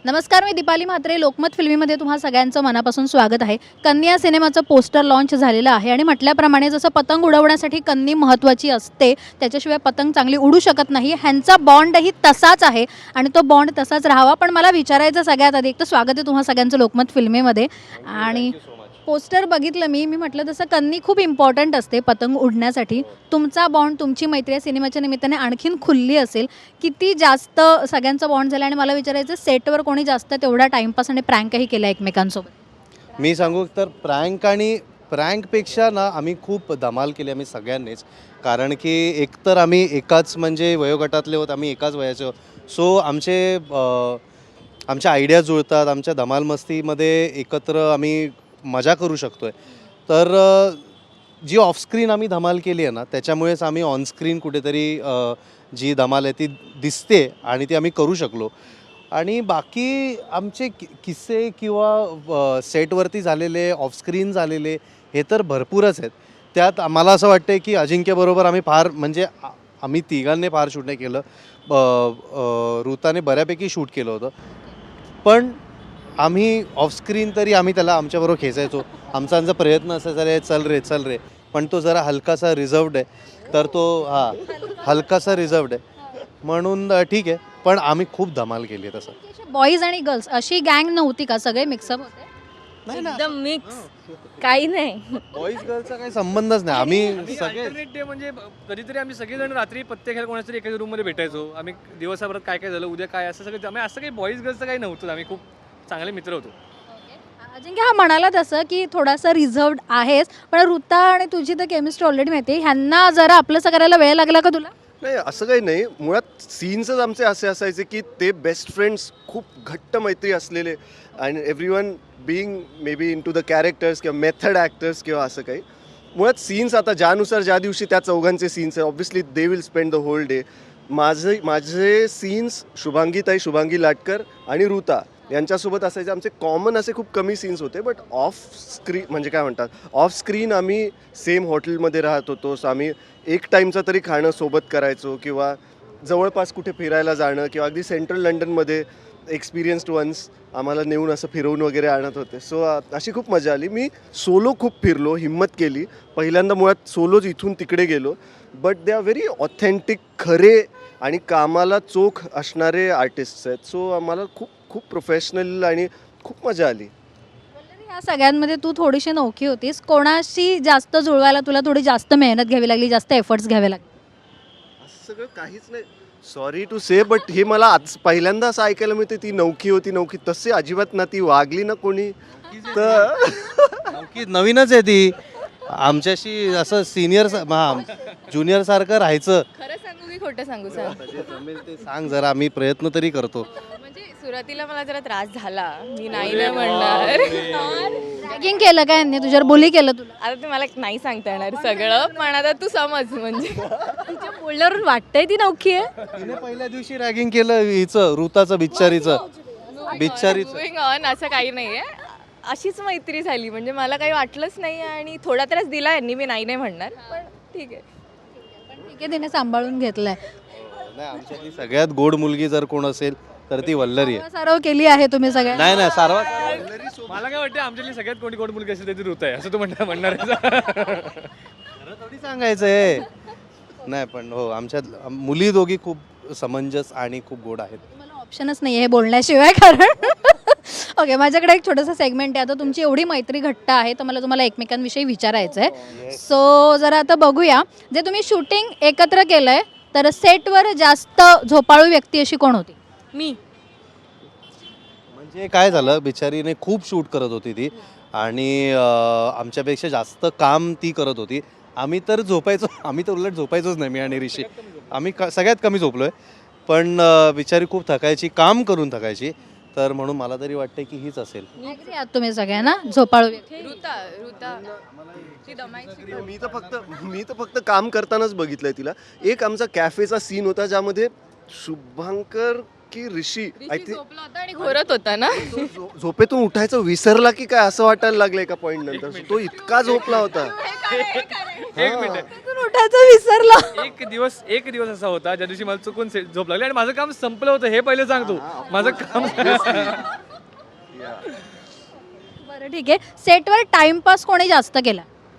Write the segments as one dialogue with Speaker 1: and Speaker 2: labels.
Speaker 1: नमस्कार, मी दीपाली म्हात्रे. लोकमत फिल्मीमध्ये तुम्हा सगळ्यांचं मनापासून स्वागत आहे. कन्या सिनेमाचं पोस्टर लॉन्च झालेलं आहे आणि म्हटल्याप्रमाणे जसं पतंग उडवण्यासाठी कन्नी महत्त्वाची असते, त्याच्याशिवाय पतंग चांगली उडू शकत नाही. ह्यांचा बॉन्डही तसाच आहे आणि तो बॉन्ड तसाच राहावा. पण मला विचारायचं सगळ्यात आधी, एक तर स्वागत आहे तुम्हा सगळ्यांचं लोकमत फिल्मीमध्ये. आणि पोस्टर बघितलं मी म्हटलं तसं कन्नी खूप इम्पॉर्टंट असते पतंग उडण्यासाठी. तुमचा बॉन्ड, तुमची मैत्री या सिनेमाच्या निमित्ताने आणखीन खुलली असेल. किती जास्त सगळ्यांचा बॉन्ड झाला आणि मला विचारायचं, सेटवर कोणी जास्त तेवढा टाइमपास आणि प्रँकही केला एकमेकांसोबत?
Speaker 2: मी सांगू तर प्रँकपेक्षा ना आम्ही खूप धमाल केली आम्ही सगळ्यांनीच. कारण की एकतर आम्ही एकाच म्हणजे वयोगटातले होत, आम्ही एकाच वयाचे होत. सो आमच्या आयडिया जुळतात, आमच्या धमाल मस्तीमध्ये एकत्र आम्ही मजा करू शकतो आहे. तर जी ऑफस्क्रीन आम्ही धमाल केली आहे ना, त्याच्यामुळेच आम्ही ऑनस्क्रीन कुठेतरी जी धमाल आहे ती दिसते आणि ती आम्ही करू शकलो. आणि बाकी आमचे किस्से किंवा सेटवरती झालेले, ऑफस्क्रीन झालेले हे तर भरपूरच आहेत. त्यात आम्हाला असं वाटतं की अजिंक्यबरोबर आम्ही फार म्हणजे आम्ही तिघांनी फार शूट नाही केलं, ऋताने बऱ्यापैकी शूट केलं होतं. पण आम्ही ऑफस्क्रीन तरी आम्ही त्याला आमच्याबरोबर खेचायचो. आमचा प्रयत्न असायचा, रे चल रे. पण तो जरा हलकासा रिझर्वड आहे, तर तो हलकासा रिझर्वड आहे म्हणून ठीक आहे. पण आम्ही खूप धमाल केली आहे. तसं
Speaker 1: बॉईज आणि गर्ल्स अशी गँग नव्हती का? सगळे मिक्सअप होते?
Speaker 2: नाही ना,
Speaker 3: एकदम मिक्स, काही नाही.
Speaker 2: बॉईज गर्लचा काही संबंधच नाही. आम्ही सगळे
Speaker 4: अल्टरनेट डे म्हणजे कधीतरी आम्ही सगळेजण रात्री पत्ते खेळ कोणाच्या तरी एखाद्या रूममध्ये भेटायचो. आम्ही दिवसाभरात काय काय झालं, उद्या काय, असं सगळं आम्ही असं काही बॉईज गर्ल्सचं काही नव्हतं. आम्ही खूप चांगले मित्र होतो.
Speaker 1: अजिंक्य, हा म्हणाला तसं की थोडासा रिझर्वड आहेस, पण ऋता आणि तुझी तर केमिस्ट्री ऑलरेडी माहिती आहे. ह्यांना जरा आपलंसं करायला वेळ लागला का तुला?
Speaker 5: नाही, असं काही नाही. मुळात सीन्सच आमचे असे असायचे की ते बेस्ट फ्रेंड्स, खूप घट्ट मैत्री असलेले, आणि everyone being maybe into the characters किंवा मेथड ॲक्टर्स किंवा असं काही. मुळात सीन्स आता ज्या दिवशी त्या चौघांचे सीन्स आहे, obviously they will spend the whole day. माझे सीन्स शुभांगी लाटकर आणि ऋता यांच्यासोबत असायचे. आमचे कॉमन असे खूप कमी सीन्स होते. बट ऑफ स्क्रीन आम्ही सेम हॉटेलमध्ये राहत होतो. सो आम्ही एक टाईमचं तरी खाणं सोबत करायचो, किंवा जवळपास कुठे फिरायला जाणं, किंवा अगदी सेंट्रल लंडनमध्ये एक्सपिरियन्स्ड वन्स आम्हाला नेऊन असं फिरवून वगैरे आणत होते. सो अशी खूप मजा आली. मी सोलो खूप फिरलो, हिम्मत केली. पहिल्यांदा मुळात सोलोच इथून तिकडे गेलो. But they are very authentic, खरे आणि कामाला चोख असणारे आर्टिस्ट्स आहेत. सो आम्हाला खूप खूप प्रोफेशनल आणि खूप मजा आली.
Speaker 1: ह्या सगळ्यांमध्ये तू थोडीशी नौकी होतीस. कोणाशी जास्त जुळवायला तुला थोडी जास्त मेहनत घ्यावी लागली, जास्त एफर्ट्स घ्यावे लागले?
Speaker 5: असं सगळं काहीच नाही. सॉरी टू से, बट हे मला आज पहिल्यांदा असं ऐकायला मिळते ती नौकी. तसे अजिबात ना, ती वागली ना कोणी तर.
Speaker 2: नक्की नवीनच आहे ती. आमच्याशी असं सिनियर ज्युनियर सारखं राहायचं.
Speaker 3: खरं सांगू की खोटं सांगू सांग?
Speaker 2: जमेल ते सांग जरा, आम्ही प्रयत्न तरी करतो.
Speaker 3: म्हणजे सुरुवातीला मला जरा त्रास झाला, मी नाही म्हणणार.
Speaker 1: रॅगिंग केलं काय यांनी तुझ्यावर? बुली केलं तुला?
Speaker 3: आता ते मला नाही सांगता येणार सगळं, पण आता तू समज. म्हणजे तिच्या बोलण्यावरून वाटतंय ती नौकी आहे.
Speaker 2: तिने पहिल्या दिवशी रॅगिंग केलं हिचं, ऋताचं बिच्चारीचं.
Speaker 3: Moving on, असं काही नाहीये. अशीच मैत्री झाली, म्हणजे मला काही वाटलंच नाही आणि थोडा त्रास दिला यांनी, मी नाही म्हणणार, पण ठीक आहे.
Speaker 1: ठीक आहे, तिने सांभाळून घेतलंय.
Speaker 2: नाही, आमच्यातली सगळ्यात गोड मुलगी जर कोण असेल तर ती वल्लरी आहे.
Speaker 1: सारव केली आहे तुम्ही सगळ्या.
Speaker 2: नाही सर्वात
Speaker 4: मला काय वाटतं, आमच्यातली सगळ्यात कोणी गोड मुलगी असेल ती ऋत आहे, असं तू म्हणणार आहे.
Speaker 2: खरं थोडी सांगायचंय. नाही पण हो, आमच्यात मुली दोघी खूप समंजस आणि खूप गोड आहेत.
Speaker 1: मला ऑप्शनच नाही आहे बोलण्याशिवाय. कारण ओके, माझ्याकडे एक छोटंसं सेगमेंट आहे. आता तुमची एवढी मैत्री घट्ट आहे, तर मला तुम्हाला एकमेकांविषयी विचारायचं आहे. सो जरा आता बघूया, जे तुम्ही शूटिंग एकत्र केलंय, तर सेटवर जास्त झोपाळू व्यक्ती अशी कोण होती?
Speaker 3: मी
Speaker 2: म्हणजे काय झालं, बिचारीने खूप शूट करत होती ती आणि आमच्यापेक्षा जास्त काम ती करत होती. आम्ही तर उलट झोपायचोच नाही, मी आणि ऋषी. आम्ही सगळ्यात कमी झोपलोय. पण बिचारी खूप थकायची, काम करून थकायची. तर म्हणून मला तरी वाटते की हीच असेल.
Speaker 1: Agree आहात तुम्ही सगळ्यांना झोपाळू व्यक्ती?
Speaker 3: ऋता ती दमायची.
Speaker 5: मी तर फक्त काम करतानाच बघितलंय तिला. एक आमचा कॅफेचा सीन होता, ज्यामध्ये शुभांकर की ऋषी आय थिंक
Speaker 3: झोपला होता आणि घोरत होता ना.
Speaker 5: झोपेतून उठायचं विसरला की काय असं वाटायला लागलं एका पॉईंट नंतर. तो इतका झोपला होता.
Speaker 4: एक मिनिट
Speaker 1: तिथून उठायचं विसरला.
Speaker 4: एक दिवस असा होता ज्या दिवशी मला चुकून झोप लागली आणि माझं काम संपलं होतं हे पहिले सांगतो. माझं काम
Speaker 1: बरं ठीक आहे, सेटवर टाइमपास कोणी जास्त केला?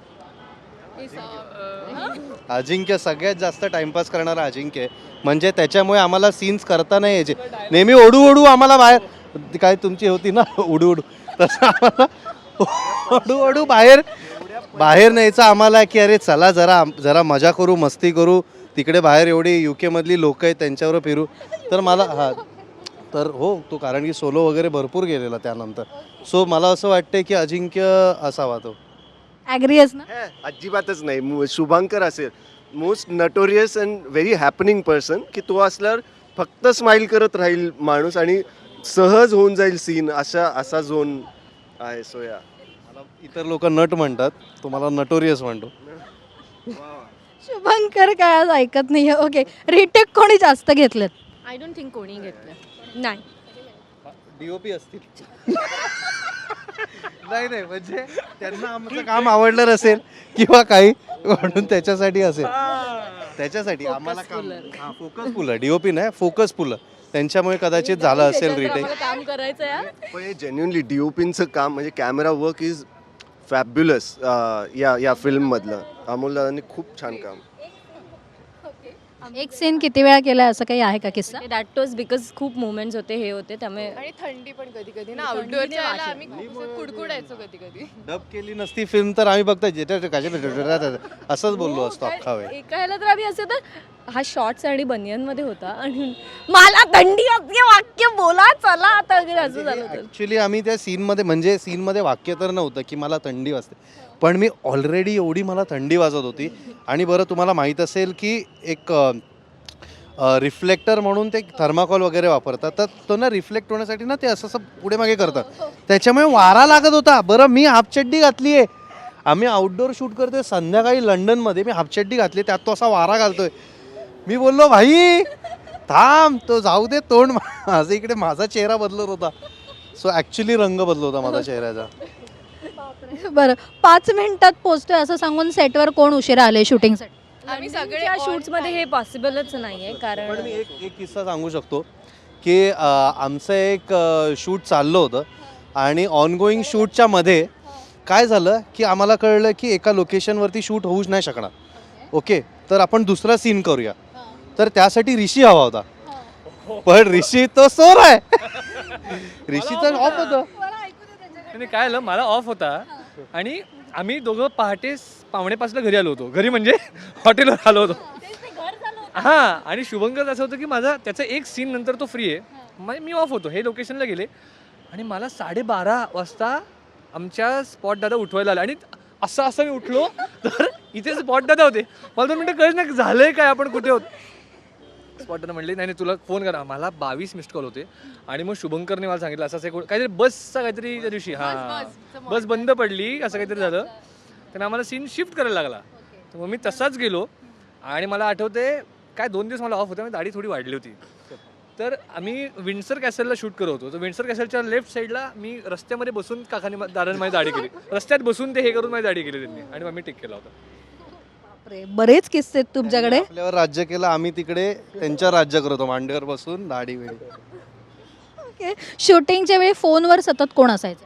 Speaker 2: अजिंक्य सगळ्यात जास्त टाइमपास करणारा अजिंक्य आहे. म्हणजे त्याच्यामुळे आम्हाला सीन्स करता नाही यायचे. नेहमी ओढू आम्हाला बाहेर, काय तुमची होती ना उडू तसं आम्हाला ओढू बाहेर न्यायचं आम्हाला, की अरे चला जरा मजा करू, मस्ती करू, तिकडे बाहेर एवढी UK मधली लोक आहेत त्यांच्यावर फिरू. तर मला तर हो तो, कारण की सोलो वगैरे भरपूर गेलेला त्यानंतर. सो मला असं वाटतं की अजिंक्य असावा तो.
Speaker 1: ॲग्री आहेस ना?
Speaker 5: अजिबातच नाही. शुभांकर असेल most notorious and very happening person, की तो असल्यावर फक्त स्माइल करत राहील माणूस आणि सहज होऊन जाईल सीन, असा झोन आहे. सो या
Speaker 2: मला इतर लोक नट म्हणतात, तुम्हाला नटोरियस म्हणतो.
Speaker 1: शुभंकर काय आज ऐकत नाहीये. ओके, रिटेक कोणी जास्त घेतलेत?
Speaker 3: आय डोंट थिंक कोणी घेतलं. नाही.
Speaker 2: DOP असतील. नाही म्हणजे त्यांना आमचं काम आवडलं नसेल किंवा काही, म्हणून त्याच्यासाठी असेल. त्याच्यासाठी आम्हाला काम फोकसफुल आहे. DOP नाही, फोकसफुल आहे. त्यांच्यामुळे कदाचित झालं असेल रिटेक.
Speaker 3: काम करायचं यार.
Speaker 5: पण हे जेन्युनली DOPचं काम म्हणजे कॅमेरा वर्क इज फॅब्युलस. या फिल्ममधलं अमोल दादांनी खूप छान काम.
Speaker 1: एक सीन किती वेळा केलाय असं काही आहे का किस्सा?
Speaker 6: दॅट वॉज बिकॉज खूप मुवमेंट्स होते, हे होते, त्यामुळे
Speaker 3: आणि थंडी पण कधी कधी ना, आउटडोअरच्या वेळेला आम्ही खूप कुडकुडायचो कधी कधी.
Speaker 2: डब केली नसती फिल्म तर आम्ही फक्त असंच बोललो असतो अख्खा वेळ.
Speaker 6: एका ह्याला तर आम्ही असं तर हा शॉर्ट्स आणि बनियनमध्ये होता आणि मला थंडी असते वाक्य बोला चला आता वगैरे असं झालं होतं.
Speaker 2: ॲक्च्युली आम्ही त्या सीनमध्ये वाक्य तर नव्हतं की मला थंडी वाजते, पण मी ऑलरेडी एवढी मला थंडी वाजत होती. आणि बरं तुम्हाला माहीत असेल की एक रिफ्लेक्टर म्हणून ते थर्माकॉल वगैरे वापरतात, तर तो ना रिफ्लेक्ट होण्यासाठी ना ते असं पुढे मागे करतात, त्याच्यामुळे वारा लागत होता. बरं मी हाफचड्डी घातली आहे, आम्ही आउटडोअर शूट करतोय संध्याकाळी लंडनमध्ये, मी हाफचड्डी घातली, त्यात तो असा वारा घालतोय. मी बोललो भाई थांब, तो जाऊ दे तोंड. माझं इकडे माझा चेहरा बदलत होता. सो ॲक्च्युली रंग बदलत होता माझा चेहऱ्याचा.
Speaker 1: बरं, 5 मिनिटात पोहोचतोय असं सांगून सेटवर कोण उशिरा आले शूटिंगसाठी?
Speaker 3: आम्ही सगळे
Speaker 6: या शूट्समध्ये हे पॉसिबलच नाहीये,
Speaker 2: पण
Speaker 6: कारण
Speaker 2: मी एक किस्सा सांगू शकतो की आमचं एक शूट चाललं होतं आणि ऑनगोईंग शूटच्या मध्ये काय झालं की आम्हाला कळलं की एका लोकेशनवरती शूट होऊच नाही शकणार. ओके, तर आपण दुसरा सीन करूया. तर त्यासाठी ऋषी हवा होता, पण ऋषी तो सोर आहे. ऋषीचं ऑफ होतं.
Speaker 4: आणि काय झालं, मला ऑफ होता आणि आम्ही दोघं पहाटे 4:45 घरी आलो होतो. घरी म्हणजे हॉटेलवर आलो होतो. हां, आणि शुभंकर असं होतं की माझा त्याचा एक सीन नंतर तो फ्री आहे, म्हणजे मी ऑफ होतो. हे लोकेशनला गेले आणि मला 12:30 वाजता आमच्या स्पॉट दादा उठवायला आला आणि असं मी उठलो तर इथे स्पॉट दादा होते. मला 2 मिनटं कळलं नाही झालंय काय, आपण कुठे होत. स्पॉट दादा म्हणले नाही तुला फोन करा. मला 22 मिस्ड कॉल होते आणि मग शुभंकरने मला सांगितलं असं काहीतरी बसचा काहीतरी त्या दिवशी बस बंद पडली असं काहीतरी झालं, त्याने आम्हाला सीन शिफ्ट करायला लागला. तर मग मी तसाच गेलो आणि मला आठवते काय 2 दिवस मला ऑफ होता, मी दाढी थोडी वाढली होती. तर आम्ही विंडसर कॅसलला शूट करत होतो. तर विंडसर कॅसलच्या लेफ्ट साईडला मी रस्त्यामध्ये बसून काकाने दादाने माझी दाढी केली, रस्त्यात बसून ते हे करून माझी दाढी केली त्यांनी आणि मग मी टिक केला होता.
Speaker 1: बापरे, बरेच किस्से आहेत तुमच्याकडे.
Speaker 2: आपल्यावर राज्य केलं, आम्ही तिकडे त्यांच्यावर राज्य करतो मांडीवर बसून दाढी वेळी.
Speaker 1: ओके, शूटिंगच्या वेळी फोनवर सतत कोण असायचं?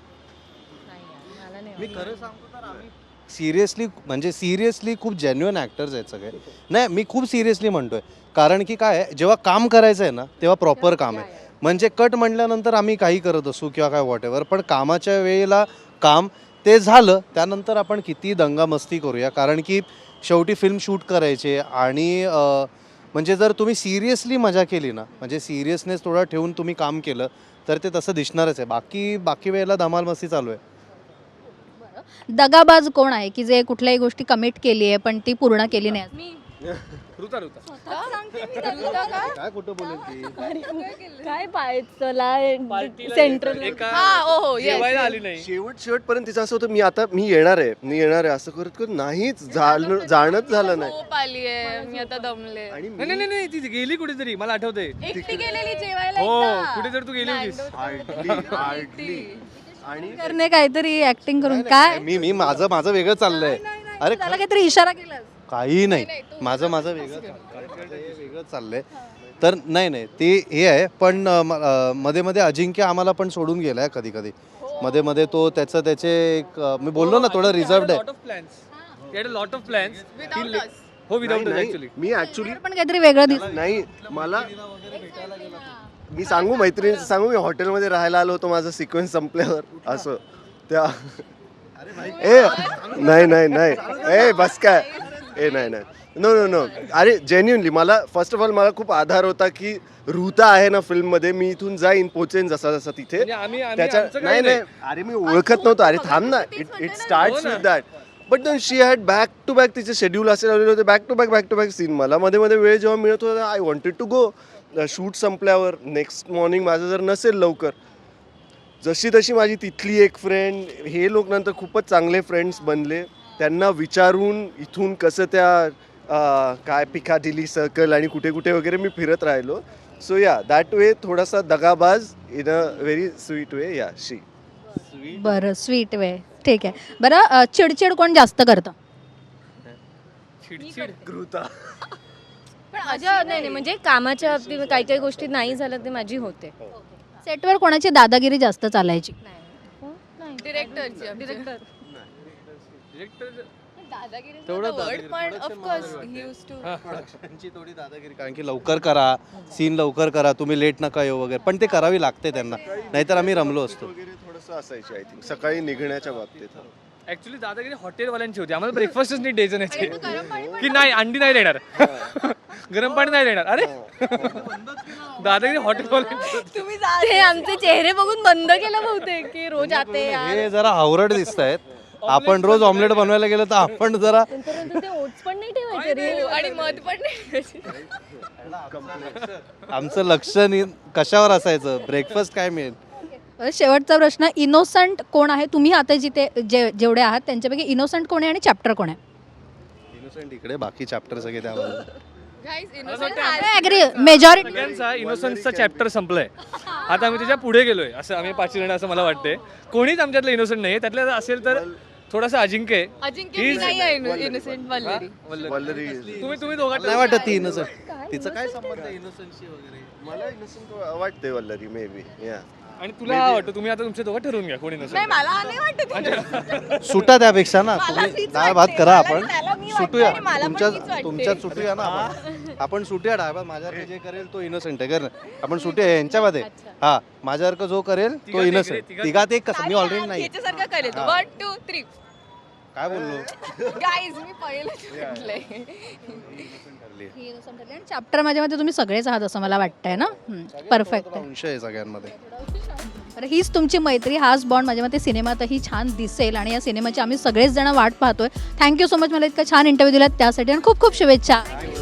Speaker 2: मी खरं सांगतो तर आम्ही सिरियसली खूप जेन्युइन ॲक्टर्स आहेत सगळे. नाही मी खूप सिरियसली म्हणतोय, कारण की काय आहे, जेव्हा काम करायचं आहे ना तेव्हा प्रॉपर काम आहे. म्हणजे कट म्हटल्यानंतर आम्ही काही करत असू किंवा काय वॉट एव्हर, पण कामाच्या वेळेला काम ते झालं, त्यानंतर आपण किती दंगामस्ती करूया, कारण की शेवटी फिल्म शूट करायचे. आणि म्हणजे जर तुम्ही सिरियसली मजा केली ना, म्हणजे सिरियसनेस थोडा ठेवून तुम्ही काम केलं तर ते तसं दिसणारच आहे. बाकी वेळेला धमाल मस्ती चालू आहे.
Speaker 1: दगाबाज कोण आहे की जे कुठल्याही गोष्टी कमिट केली आहे पण ती पूर्ण केली नाही?
Speaker 4: ऋता ऋता
Speaker 2: काय कुठं बोलेल ती
Speaker 6: काय पाहायचला
Speaker 4: पार्टीला
Speaker 6: सेंट्रल
Speaker 4: एका
Speaker 3: हा, ओ हो, yes,
Speaker 4: जेवायला
Speaker 3: yes.
Speaker 4: आली नाही.
Speaker 5: शेवटपर्यंत तिचं असं होतं मी येणार आहे असं करत करत नाहीच जाणंच झालं नाही.
Speaker 3: झोप आली आहे, मी आता दमले.
Speaker 5: आणि
Speaker 4: नाही नाही नाही ती गेली कुठेतरी मला आठवते.
Speaker 3: एकटी गेलेली जेवायला
Speaker 4: हो
Speaker 3: एकदा.
Speaker 4: कुठेतरी तू गेली होतीस.
Speaker 5: हार्डली आणि
Speaker 1: करणे काहीतरी ऍक्टिंग करून काय
Speaker 2: मी माझं वेगळं चाललंय. अरे
Speaker 1: त्याला काहीतरी इशारा केला
Speaker 2: काही नाही, माझं वेगळं चाललंय. तर नाही ते हे आहे, पण मध्ये मध्ये अजिंक्य आम्हाला पण सोडून गेलाय कधी कधी. मध्ये मध्ये तो त्याचे एक मी बोललो ना थोडं रिझर्वड आहे.
Speaker 4: Lot of plans
Speaker 3: Without us.
Speaker 4: हो विदाउट
Speaker 5: नाही,
Speaker 4: ऍक्च्युली.
Speaker 5: मी ऍक्च्युली
Speaker 1: पण काहीतरी वेगळं दिसत
Speaker 5: नाही मला मी सांगू मैत्रिणीचं सांगू, मी हॉटेलमध्ये राहायला आलो होतो माझं सिक्वेन्स संपल्यावर असं त्या नाही ए बस काय नाही नो अरे जेन्युनली मला फर्स्ट ऑफ ऑल मला खूप आधार होता की ऋता आहे ना फिल्ममध्ये, मी इथून जाईन पोचेन जसा जसा तिथे
Speaker 4: म्हणजे आम्ही
Speaker 5: त्याच्या
Speaker 4: आमचं काही
Speaker 5: नाही अरे मी ओळखत नव्हतो. अरे थांब ना, it starts with that. But then she had back to back तिचे शेड्यूल असे लावलेले होते, बॅक टू बॅक सीन. मला मध्ये मध्ये वेळ जेव्हा मिळत होता I wanted to go. Shoot संपल्यावर नेक्स्ट मॉर्निंग माझं जर नसेल लवकर, जशी तशी माझी तिथली एक फ्रेंड, हे लोक नंतर खूपच चांगले फ्रेंड्स बनले. त्यांना विचारून इथून कसं त्या काय पिकाडिली सर्कल आणि कुठे कुठे वगैरे मी फिरत राहिलो. सो या दॅट वे थोडासा दगाबाज in a very sweet way. या शी
Speaker 1: बरं स्वीट वे ठीक आहे. बरं चिडचिड कोण जास्त करतं
Speaker 4: चिडचिड
Speaker 5: ऋता
Speaker 6: पण माझ्या नाही म्हणजे कामाच्या बाबतीत काही काही गोष्टी नाही झालं ते माझी होते.
Speaker 1: सेटवर कोणाची दादागिरी जास्त चालायची
Speaker 3: डिरेक्टरची
Speaker 6: डिरेक्टर
Speaker 3: तेवढं पण ऑफकोर्स ही यूज टू
Speaker 2: त्यांची थोडी दादागिरी, कारण की लवकर करा सीन, लवकर करा, तुम्ही लेट नका येऊ वगैरे, पण ते करावी लागते त्यांना, नाहीतर आम्ही रमलो असतो.
Speaker 5: वगैरे थोडंसं असायची आय थिंक सकाळी निघण्याच्या बाबतीत.
Speaker 4: ऍक्च्युली दादागिरी हॉटेलवाल्यांची होती. आम्हाला ब्रेकफास्टच नीट द्यायचं नाही की नाही अंडी नाही देणार, गरम पाणी नाही देणार. अरे दादागिरी हॉटेलवाल्यांची.
Speaker 3: तुम्ही
Speaker 6: ते आमचे चेहरे बघून बंद केलं बहुतेक की रोज आते यार.
Speaker 2: हे जरा हावरट दिसत आहेत. आपण रोज ऑमलेट बनवायला गेलो तर आपण जरा
Speaker 6: नंतर ते ओट्स पण नाही ठेवायचे रे.
Speaker 3: आणि मध पण नाही.
Speaker 2: आमचं लक्ष कशावर असायचं, ब्रेकफास्ट काय मिळेल.
Speaker 1: शेवटचा प्रश्न, इनोसंट कोण आहे तुम्ही आता जिथे जेवढे आहात त्यांच्यापैकी इनोसंट कोण आहे आणि चॅप्टर कोण आहे?
Speaker 2: इनोसेंट इकडे, बाकी चॅप्टर सगळे त्यावर.
Speaker 3: Guys, innocent
Speaker 1: ऍग्री मेजॉरिटी
Speaker 4: सगळ्यांचा इनोसन्सचा चॅप्टर संपलाय. आता आम्ही त्याच्या पुढे गेलोय असं आम्ही 5 जण असं मला वाटते. कोणीच आमच्यातलं इनोसंट नाही. त्यातलं असेल तर थोडासा अजिंक्य आहे.
Speaker 3: अजिंक्य मी नाही आहे इनोसेंट वल्लरी.
Speaker 5: वल्लरी
Speaker 4: तुम्ही दोघांना
Speaker 2: नाही वाटत ती इनोसेंट. तिचं काय संबंध आहे इनोसेंटशी वगैरे.
Speaker 5: मला innocent वाटते वल्लरी मे बी. या
Speaker 4: आणि तुला वाटतं तुम्ही आता तुमच्या दोघं ठरवून घ्या कोणी
Speaker 3: नाही
Speaker 4: नसेल.
Speaker 3: मला नाही वाटत.
Speaker 2: सुटा त्यापेक्षा ना, तुम्ही
Speaker 3: तीच
Speaker 2: डाळ भात
Speaker 3: वाटते.
Speaker 2: करा,
Speaker 3: मला
Speaker 2: आपण
Speaker 3: त्याला मी वाटते
Speaker 2: सुटूया
Speaker 3: आणि मला पण तीच वाटते.
Speaker 2: तुमच्यात सुटूया ना आपण सुटूया डाळ भात. माझ्यावर जे करेल तो इनोसेंट आहे, कर आपण सुटूया यांच्यामध्ये. हा माझ्यासारखं जो करेल तो
Speaker 4: तिघात एक रे,
Speaker 2: इनोसेंट. तिघात एक कसं, मी ऑलरेडी नाही.
Speaker 3: याच्यासारखं करेल 1 2 3.
Speaker 2: काय बोललो.
Speaker 3: गाईज मी पहिलं म्हटलंय.
Speaker 1: आणि चॅप्टर माझ्या मते तुम्ही सगळेच आहात असं मला वाटतंय ना. परफेक्ट आहे.
Speaker 2: अंश आहे सगळ्यांमध्ये.
Speaker 1: तर हीच तुमची मैत्री, हाच बॉन्ड माझ्या मते सिनेमातही छान दिसेल आणि या सिनेमाची आम्ही सगळेच जण वाट पाहतोय. थँक्यू सो मच मला इतका छान इंटरव्ह्यू दिलात त्यासाठी आणि खूप खूप शुभेच्छा.